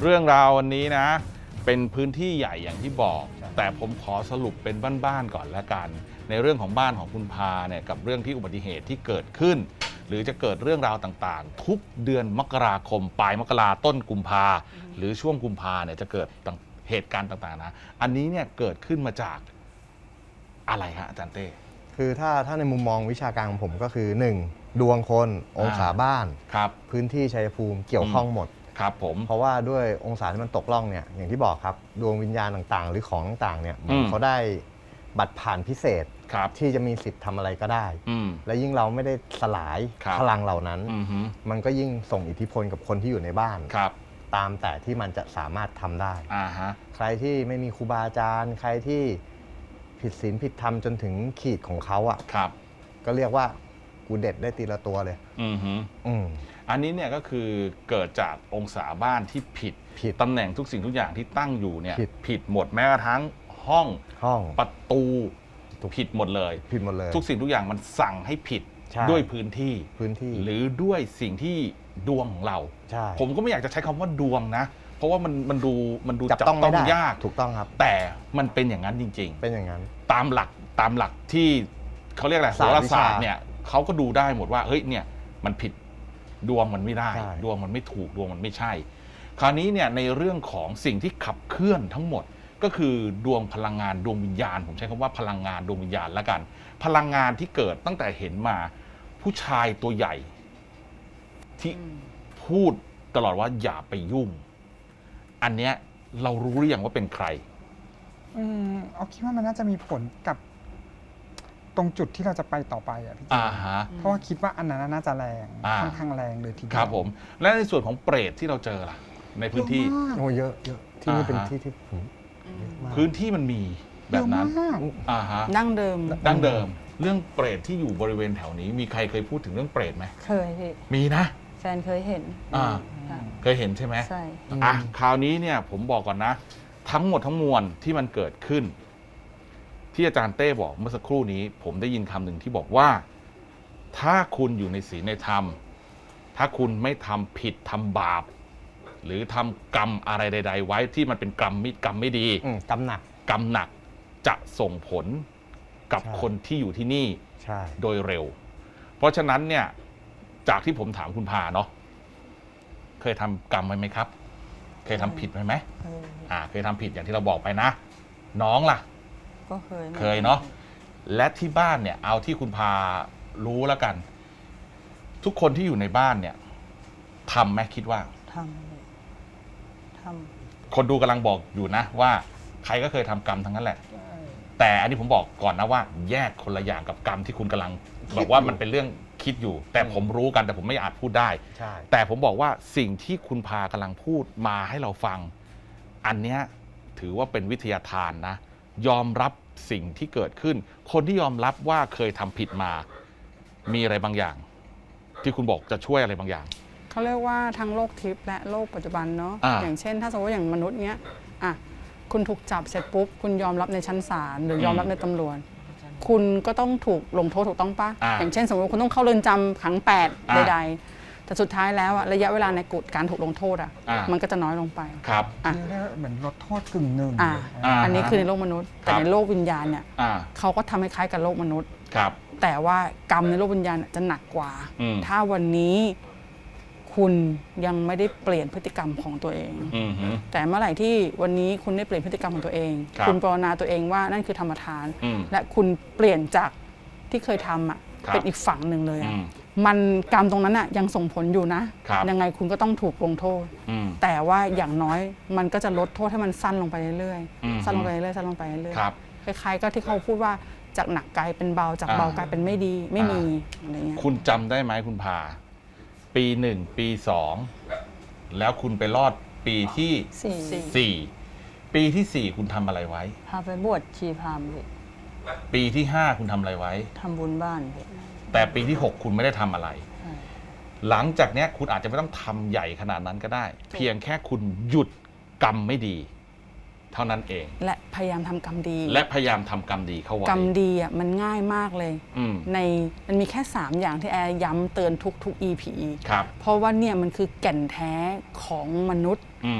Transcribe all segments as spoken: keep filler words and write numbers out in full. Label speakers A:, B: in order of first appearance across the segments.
A: เรื่องราววันนี้นะเป็นพื้นที่ใหญ่อย่างที่บอกแต่ผมขอสรุปเป็นบ้านๆก่อนละกันในเรื่องของบ้านของคุณพาเนี่ยกับเรื่องที่อุบัติเหตุที่เกิดขึ้นหรือจะเกิดเรื่องราวต่างๆทุกเดือนมกราคมปลายมกราต้นกุมภาหรือช่วงกุมภาเนี่ยจะเกิดเหตุการณ์ต่างๆนะอันนี้เนี่ยเกิดขึ้นมาจากอะไรฮะอาจารย์เต้
B: คือถ้าถ้าในมุมมองวิชาการของผมก็คือหนึ่งดวงคนองศาบ้าน
A: ครับ
B: พื้นที่ชัยภูมิเกี่ยวข้องหมด
A: ครับผม
B: เพราะว่าด้วยองศาที่มันตกล่องเนี่ยอย่างที่บอกครับดวงวิญญาณต่างๆหรือของต่างๆเนี่ยเขาได้บัตรผ่านพิเศษที่จะมีสิทธิ์ทำอะไรก็ได้และยิ่งเราไม่ได้สลายพลังเหล่านั้นมันก็ยิ่งส่งอิทธิพลกับคนที่อยู่ในบ้านตามแต่ที่มันจะสามารถทำได้ใครที่ไม่มีครูบาอาจารย์ใครที่ผิดศีลผิดธรรมจนถึงขีดของเขาอ่ะก็เรียกว่ากูเด็ดได้ตีละตัวเลย
A: อือฮึอืมอันนี้เนี่ยก็คือเกิดจากองศาบ้านที่ผิดผิดตำแหน่งทุกสิ่งทุกอย่างที่ตั้งอยู่เนี่ยผิดหมดแม้กระทั่งห้อง
B: ห้อง
A: ประตูผิดหมดเลย
B: ผิดหมดเลย
A: ทุกสิ่งทุกอย่างมันสั่งให้ผิดด้วยพื้นที่
B: พื้นที่
A: หรือด้วยสิ่งที่ดวงของเราผมก็ไม่อยากจะใช้คำว่าดวงนะเพราะว่ามันมันดูมันดูจับต้องยาก
B: ถูกต้องครับ
A: แต่มันเป็นอย่างนั้นจริง
B: ๆเป็นอย่างนั้น
A: ตามหลักตามหลักที่เขาเรียกอะไรโหราศาสตร์เนี่ยเขาก็ดูได้หมดว่าเฮ้ยเนี่ยมันผิดดวงมันไม่ได้ดวงมันไม่ถูกดวงมันไม่ใช่คราวนี้เนี่ยในเรื่องของสิ่งที่ขับเคลื่อนทั้งหมดก็คือดวงพลังงานดวงวิญญาณผมใช้คำว่าพลังงานดวงวิญญาณละกันพลังงานที่เกิดตั้งแต่เห็นมาผู้ชายตัวใหญ่ที่พูดตลอดว่าอย่าไปยุ่งอันเนี้ยเรารู้หรือยังว่าเป็นใคร
C: อืมเอาคิดว่ามันน่าจะมีผลกับตรงจุดที่เราจะไปต่อไปอ่ะพี่เจเพราะว่าคิดว่าอันนั้นน่าจะแรงค่อนข้างแรงเลยทีเดียว
A: ครับผมและในส่วนของเปรตที่เราเจอล่ะในพื้นที่
B: โอ้เยอะเยอะที่นี่เป็นที่ที่ผม
A: พื้นที่มันมีแบบนั้น
C: อ่าฮะดั้งเดิม
A: ดั้งเดิมเรื่องเปรตที่อยู่บริเวณแถวนี้มีใครเคยพูดถึงเรื่องเปรตไหม
D: เคยพี่
A: มีนะ
D: แฟนเคยเห็น
A: อ่าเคยเห็นใช่ไหม
D: ใช่
A: อ่ะคราวนี้เนี่ยผมบอกก่อนนะทั้งหมดทั้งมวลที่มันเกิดขึ้นที่อาจารย์เต้บอกเมื่อสักครู่นี้ผมได้ยินคำหนึ่งที่บอกว่าถ้าคุณอยู่ในศีลในธรรมถ้าคุณไม่ทำผิดทำบาปหรือทำกรรมอะไรใดๆไว้ที่มันเป็นกรรมมิกรรมไม่ดี
B: กรรมหนัก
A: กรรมหนักจะส่งผลกับคนที่อยู่ที่นี่โดยเร็วเพราะฉะนั้นเนี่ยจากที่ผมถามคุณพาเนาะเคยทำกรรมไว้ไหมครับเคยทำผิดไหมไหมอ่าเคยทำผิดอย่างที่เราบอกไปนะน้องล่ะ
D: ก็เคย
A: เคยเนาะและที่บ้านเนี่ยเอาที่คุณพารู้แล้วกันทุกคนที่อยู่ในบ้านเนี่ยทำไหมคิดว่า
D: ทำท
A: ำคนดูกำลังบอกอยู่นะว่าใครก็เคยทำกรรมทั้งนั้นแหละแต่อันนี้ผมบอกก่อนนะว่าแยกคนละอย่างกับกรรมที่คุณกำลังบอกว่ามันเป็นเรื่องคิดอยู่แต่ผมรู้กันแต่ผมไม่อาจพูดได้แต่ผมบอกว่าสิ่งที่คุณพากำลังพูดมาให้เราฟังอันเนี้ยถือว่าเป็นวิทยาทานนะยอมรับสิ่งที่เกิดขึ้นคนที่ยอมรับว่าเคยทำผิดมามีอะไรบางอย่างที่คุณบอกจะช่วยอะไรบางอย่าง
C: เขาเรียกว่าทั้งโลกทิพย์และโลกปัจจุบันเนาะ อ, อย่างเช่นถ้าสมมติว่าอย่างมนุษย์เนี้ยอ่ะคุณถูกจับเสร็จปุ๊บคุณยอมรับในชั้นศาลหรือยอมรับในตำรวจคุณก็ต้องถูกลงโทษถูกต้องปะ อ, อย่างเช่นสมมติคุณต้องเข้าเรือนจำขังแปดใดๆแต่สุดท้ายแล้วระยะเวลาในกฎการถูกลงโทษอ่ะมันก็จะน้อยลงไป
A: ครับ
C: อ่ะเหมือนลดโทษกึ่งหนึ่ง
D: อ่
C: า
D: อันนี้คือในโลกมนุษย์แต่ในโลกวิญญาณเนี่ยเขาก็ทำคล้ายๆกับโลกมนุษย์
A: ครับ
D: แต่ว่ากรรมในโลกวิญญาณจะหนักกว่าถ้าวันนี้คุณยังไม่ได้เปลี่ยนพฤติกรรมของตัวเองแต่เมื่อไหร่ที่วันนี้คุณได้เปลี่ยนพฤติกรรมของตัวเองคุณภาวนาตัวเองว่านั่นคือธรรมทานและคุณเปลี่ยนจากที่เคยทำอ่ะเป็นอีกฝั่งหนึ่งเลยอ่ะมันกรรมตรงนั้นอ่ะยังส่งผลอยู่นะยังไงคุณก็ต้องถูกลงโทษแต่ว่าอย่างน้อยมันก็จะลดโทษให้มันสั้นลงไปเรื่อยๆสั้นลงไปเรื่อยๆสั้นลงไปเรื่อยๆคล้ายๆก็ที่เขาพูดว่าจากหนักกลายเป็นเบาจากเบากลายเป็นไม่ดีไม่มีอะไรเงี้ย
A: คุณจำได้ไหมคุณพาปีหนึ่งปีสองแล้วคุณไปรอดปีที่สี่ปีที่สี่คุณทำอะไรไว้
D: พาไปบวชชีพรามพี่
A: ปีที่ห้าคุณทำอะไรไว้
D: ทำบุญบ้านพี่
A: แต่ปีที่หกคุณไม่ได้ทำอะไรหลังจากนี้คุณอาจจะไม่ต้องทำใหญ่ขนาดนั้นก็ได้เพียงแค่คุณหยุดกรรมไม่ดีเท่านั้นเอง
D: และพยายามทำกรรมดี
A: และพยายามทำกรรมดีเข้าไว้
D: กรรมดีอ่ะมันง่ายมากเลยในมันมีแค่สามอย่างที่แอร์ย้ำเตือนทุกๆ อี พี
A: ครับ
D: เพราะว่าเนี่ยมันคือแก่นแท้ของมนุษย์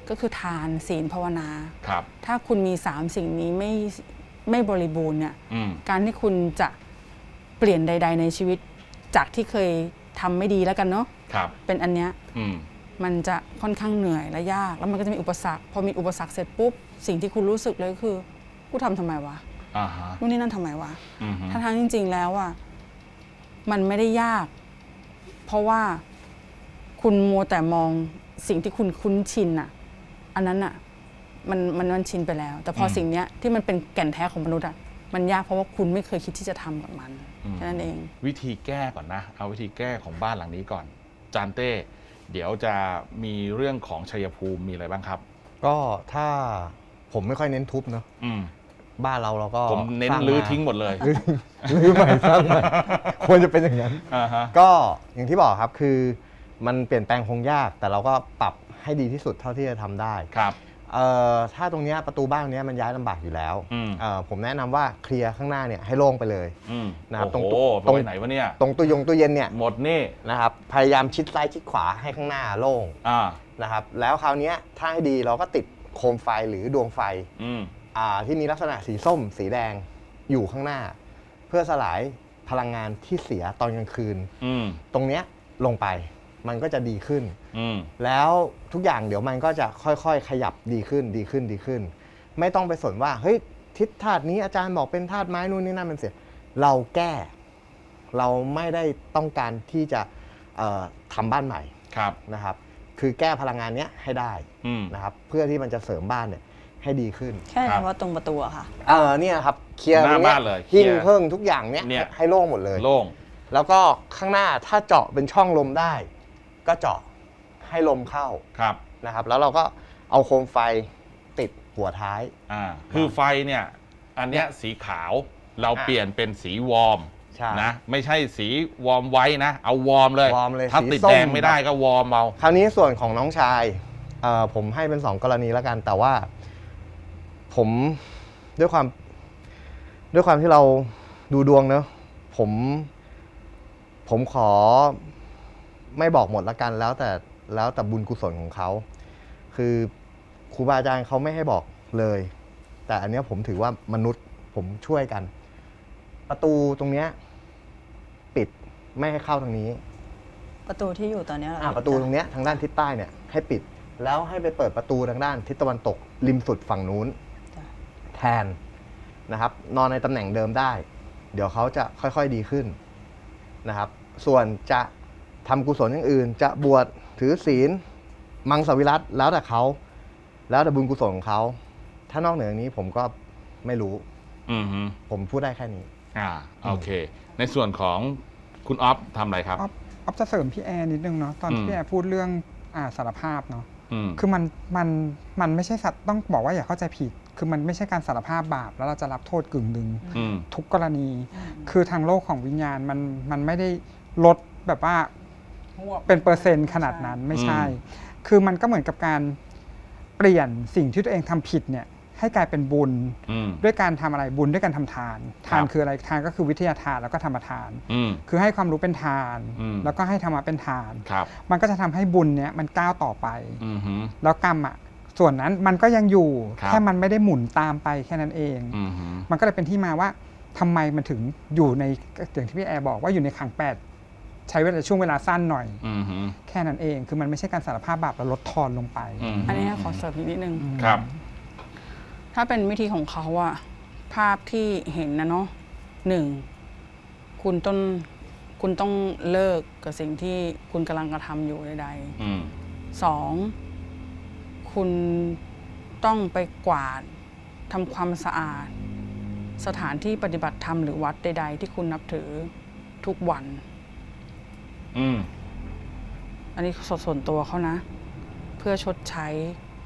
C: ก็คือทานศีลภาวนา
A: ครับ
C: ถ้าคุณมีสามสิ่งนี้ไม่ไม่บริบูรณ์เนี่ยการที่คุณจะเปลี่ยนใด ๆ ในชีวิตจากที่เคยทำไม่ดีแล้วกันเนาะเป็นอันเนี้ยมันจะค่อนข้างเหนื่อยและยากแล้วมันก็จะมีอุปสรรคพอมีอุปสรรคเสร็จปุ๊บสิ่งที่คุณรู้สึกเลยก็คือกูทำทำไมวะนู่นนี่นั่นทำไมวะทั้งๆจริง ๆ แล้วอ่ะมันไม่ได้ยากเพราะว่าคุณมัวแต่มองสิ่งที่คุณคุ้นชินอ่ะอันนั้นอ่ะมันมันมันชินไปแล้ว แต่พอสิ่งเนี้ยที่มันเป็นแก่นแท้ของมนุษย์อ่ะมันยากเพราะว่าคุณไม่เคยคิดที่จะทำกับมันแค่นั้นเอง
A: วิธีแก้ก่อนนะเอาวิธีแก้ของบ้านหลังนี้ก่อนจานเต้เดี๋ยวจะมีเรื่องของชัยภูมิมีอะไรบ้างครับ
B: ก็ถ้าผมไม่ค่อยเน้นทุบเนาะบ้านเราเราก็
A: ผมเน้นรื้อทิ้งหมดเลย
B: รื้อใหม่สร้างใหม่ควรจะเป็นอย่างนั้นก็อย่างที่บอกครับคือมันเปลี่ยนแปลงคงยากแต่เราก็ปรับให้ดีที่สุดเท่าที่จะทำได้
A: ครับ
B: ถ้าตรงนี้ประตูบ้านนี้มันย้ายลำบากอยู่แล้วผมแนะนำว่าเคลียร์ข้างหน้าเนี่ยให้โล่งไปเลย
A: นะครับตรงตรงไหนวะเนี่ย
B: ตรงตู้ยงตู้เย็นเนี่ย
A: หมดนี่
B: นะครับพยายามชิดซ้ายชิดขวาให้ข้างหน้าโล่งนะครับแล้วคราวนี้ถ้าให้ดีเราก็ติดโคมไฟหรือดวงไฟที่มีลักษณะสีส้มสีแดงอยู่ข้างหน้าเพื่อสลายพลังงานที่เสียตอนกลางคืนตรงเนี้ยลงไปมันก็จะดีขึ้นแล้วทุกอย่างเดี๋ยวมันก็จะค่อยๆขยับดีขึ้นดีขึ้นดีขึ้นไม่ต้องไปสนว่าเฮ้ยทิศธาตุนี้อาจารย์บอกเป็นธาตุไม้นู่นนี่นั่นมันเสียเราแก้เราไม่ได้ต้องการที่จะทำบ้านใหม่นะครับคือแก้พลังงานนี้ให้ได้นะครับเพื่อที่มันจะเสริมบ้านเนี่ยให้ดีขึ้น
D: แค่เฉพาะตรงประตูอะค่ะ
B: เออเนี่ยครับเคลียร์
A: หน้าบ้านเลย
B: หิ้งเพิ่งทุกอย่างเนี้ยให้โล่งหมดเลย
A: โล่ง
B: แล้วก็ข้างหน้าถ้าเจาะเป็นช่องลมได้ก็เจาะให้ลมเข้านะครับแล้วเราก็เอาโคมไฟติดหัวท้าย
A: อ่าคือไฟเนี่ยอันเนี้ยสีขาวเราเปลี่ยนเป็นสีวอร์มนะไม่ใช่สีวอร์มไว้นะเอาวอร์มเลยถ้าติดแดงไม่ได้ก็วอร์มเอา
B: คราวนี้ส่วนของน้องชายผมให้เป็นสองกรณีแล้วกันแต่ว่าผมด้วยความด้วยความที่เราดูดวงเนอะผมผมขอไม่บอกหมดละกันแล้วแต่แล้วแต่บุญกุศลของเขาคือครูบาอาจารย์เขาไม่ให้บอกเลยแต่อันนี้ผมถือว่ามนุษย์ผมช่วยกันประตูตรงเนี้ยปิดไม่ให้เข้าทางนี้
D: ประตูที่อยู่ตอนนี้
B: อ่าประตูตรงเนี้ยทางด้านทิศใต้เนี่ยให้ปิดแล้วให้ไปเปิดประตูทางด้านทิศตะวันตกริมสุดฝั่งนู้นแทนนะครับนอนในตำแหน่งเดิมได้เดี๋ยวเขาจะค่อยๆดีขึ้นนะครับส่วนจะทำกุศลอย่างอื่นจะบวชถือศีลมังสวิรัติแล้วแต่เขาแล้วแต่บุญกุศลของเขาถ้านอกเหนือนี้ผมก็ไม่รู้ผมพูดได้แค่นี้
A: อ่าโอเคในส่วนของคุณอ๊อฟทำอะไรครับ
E: อ๊อฟจะเสริมพี่แอร์นิดนึงเนาะตอนที่พี่แอร์พูดเรื่องอ่าสารภาพเนาะคือมันมันมันไม่ใช่สัตว์ต้องบอกว่าอย่าเข้าใจผิดคือมันไม่ใช่การสารภาพบาปแล้วเราจะรับโทษกึ่งหนึ่งทุกกรณีคือทางโลกของวิญญาณมันมันไม่ได้ลดแบบว่าเป็นเปอร์เซ็นต์ขนาดนั้นไม่ใช่คือมันก็เหมือนกับการเปลี่ยนสิ่งที่ตัวเองทำผิดเนี่ยให้กลายเป็นบุญด้วยการทำอะไรบุญด้วยการทำทานทานคืออะไรทานก็คือวิทยาทานแล้วก็ธรรมทานคือให้ความรู้เป็นทานแล้วก็ให้ธรรมะเป็นทานมันก็จะทำให้บุญเนี้ยมันก้าวต่อไปแล้วกรรมอ่ะส่วนนั้นมันก็ยังอยู่แค่มันไม่ได้หมุนตามไปแค่นั้นเองมันก็เลยเป็นที่มาว่าทำไมมันถึงอยู่ในอย่างที่พี่แอร์บอกว่าอยู่ในขังแปดใช้เวลาช่วงเวลาสั้นหน่อยแค่นั้นเองคือมันไม่ใช่การสารภาพบาปแล้วลดทอนลงไป
C: อันนี้ขอเสริมนิดนึง
A: ครับ
C: ถ้าเป็นวิธีของเขาอะภาพที่เห็นนะเนาะหนึ่งคุณต้องคุณต้องเลิกกับสิ่งที่คุณกำลังกระทำอยู่ใดๆสองคุณต้องไปกวาดทำความสะอาดสถานที่ปฏิบัติธรรมหรือวัดใดๆที่คุณนับถือทุกวัน
A: อืม
C: อันนี้ส่วนตัวเขานะเพื่อชดใช้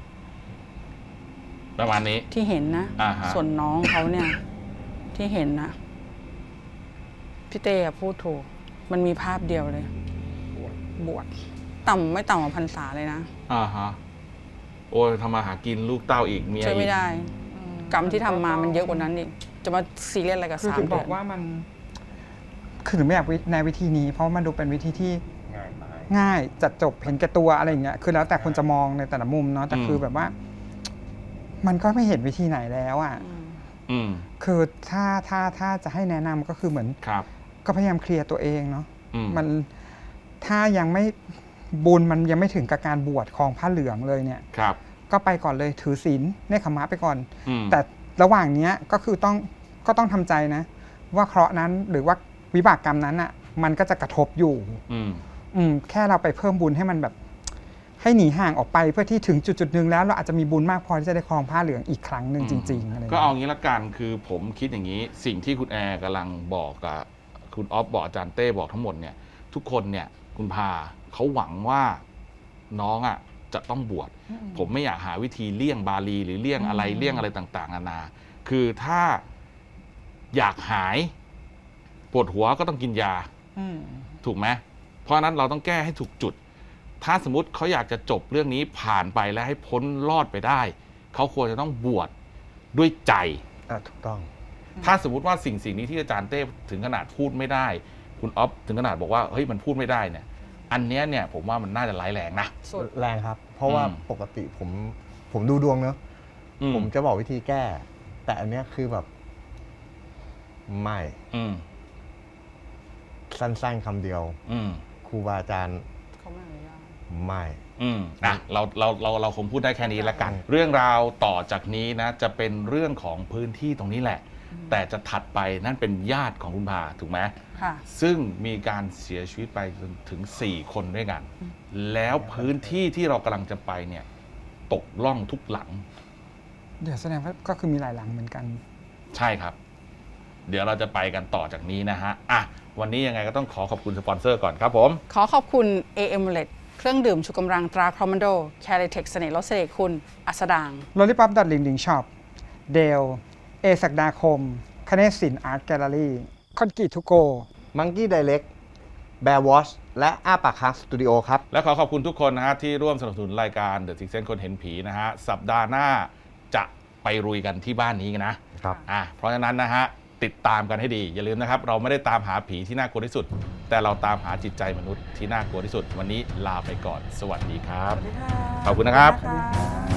A: ประมาณนี้
C: ที่เห็นนะส่วนน้องเขาเนี่ยที่เห็นนะพี่เต้พูดถูกมันมีภาพเดียวเลยบวชต่ำไม่ต่ำกว่าพรรษาเลยนะ
A: อ่าฮะโอ้ยทำมาหากินลูกเต้าอีกเมียอีก
C: ช่วยไม่ได้กรรมที่ทำมามันเยอะกว่านั้นอีกจะมาซีเรียสอะไรกับสามเดือน
E: บอกว่ามันคือไม่อยากในวิธีนี้เพราะมันดูเป็นวิธีที่ง่ายจัดจบเห็นแก่ตัวอะไรอย่างเงี้ยคือแล้วแต่คนจะมองในแต่ละมุมเนาะแต่คือแบบว่า มันก็ไม่เห็นวิธีไหนแล้วอ่ะคือถ้าถ้าถ้าจะให้แนะนำก็คือเหมือนก็พยายามเคลียร์ตัวเองเนาะมันถ้ายังไม่บุญมันยังไม่ถึงกับการบวชครองผ้าเหลืองเลยเนี่ยก็ไปก่อนเลยถือศีลเนคขมะไปก่อนแต่ระหว่างนี้ก็คือต้องก็ต้องทำใจนะว่าเคราะห์นั้นหรือว่าวิบากกรรมนั้นอ่ะมันก็จะกระทบอยู่อืมแค่เราไปเพิ่มบุญให้มันแบบให้หนีห่างออกไปเพื่อที่ถึงจุดจุดหนึ่งแล้วเราอาจจะมีบุญมากพอที่จะได้ครองผ้าเหลืองอีกครั้งหนึ่งจริงๆอะไรก็
A: เอางี้ละกันคือผมคิดอย่างนี้สิ่งที่คุณแอร์กำลังบอกกับคุณออฟบอกอาจารย์เต้บอกทั้งหมดเนี่ยทุกคนเนี่ยคุณพาเขาหวังว่าน้องอ่ะจะต้องบวชผมไม่อยากหาวิธีเลี่ยงบาลีหรือเลี่ยงอะไรเลี่ยงอะไรต่างๆนานาคือถ้าอยากหายปวดหัวก็ต้องกินยาถูกไหมเพราะนั้นเราต้องแก้ให้ถูกจุดถ้าสมมติเขาอยากจะจบเรื่องนี้ผ่านไปและให้พ้นรอดไปได้เขาควรจะต้องบวชด้วยใจ
B: ถูกต้อง
A: ถ้าสมมติว่าสิ่งสิ่งนี้ที่อาจารย์เต้ถึงขนาดพูดไม่ได้คุณอ๊อฟถึงขนาดบอกว่าเฮ้ยมันพูดไม่ได้เนี่ยอันนี้เนี่ยผมว่ามันน่าจะร้ายแรงนะ
B: แรงครับเพราะว่าปกติผมผมดูดวงเนอะผมจะบอกวิธีแก้แต่อันนี้คือแบบไม่สั้นๆคำเดียวครูบาอาจารย์ไม่
A: อืมอ่ะเราเราเราเราคงพูดได้แค่นี้ละกันเรื่องราวต่อจากนี้นะจะเป็นเรื่องของพื้นที่ตรงนี้แหละแต่จะถัดไปนั่นเป็นญาติของคุณพาถูกไหมค่ะซึ่งมีการเสียชีวิตไปถึงสี่คนด้วยกันแล้วพื้นที่ที่เรากำลังจะไปเนี่ยตกล่องทุกหลัง
E: เดี๋ยวแสดงว่าก็คือมีหลายหลังเหมือนกัน
A: ใช่ครับเดี๋ยวเราจะไปกันต่อจากนี้นะฮะอ่ะวันนี้ยังไงก็ต้องขอขอบคุณสปอนเซอร์ก่อนครับผม
C: ขอขอบคุณ เอ เอ็ม แอล อี ที เครื่องดื่มชูกำลังตราคอมมานโดแคลิเทคเสน่ห์ลดเสน่ห์คุณอัสดาง
E: ลอลิปอปดัดลิงลิงช็อปเดลเอศักดาคมคเนศศิลป์อาร์ตแกลเลอรี่คอนกรีตทูโก
B: มังกี้ไดเรกแบร์วอชและอ้าปากค้างสตูดิโอครับ
A: และขอขอบคุณทุกคนนะฮะที่ร่วมสนับสนุนรายการ The Sixth Sense คนเห็นผีนะฮะสัปดาห์หน้าจะไปรุยกันที่บ้านนี้กันนะครับอ่ะเพราะฉะนั้นนะฮะติดตามกันให้ดีอย่าลืมนะครับเราไม่ได้ตามหาผีที่น่ากลัวที่สุดแต่เราตามหาจิตใจมนุษย์ที่น่ากลัวที่สุดวันนี้ลาไปก่อนสวัสดีครับขอบคุณนะครับ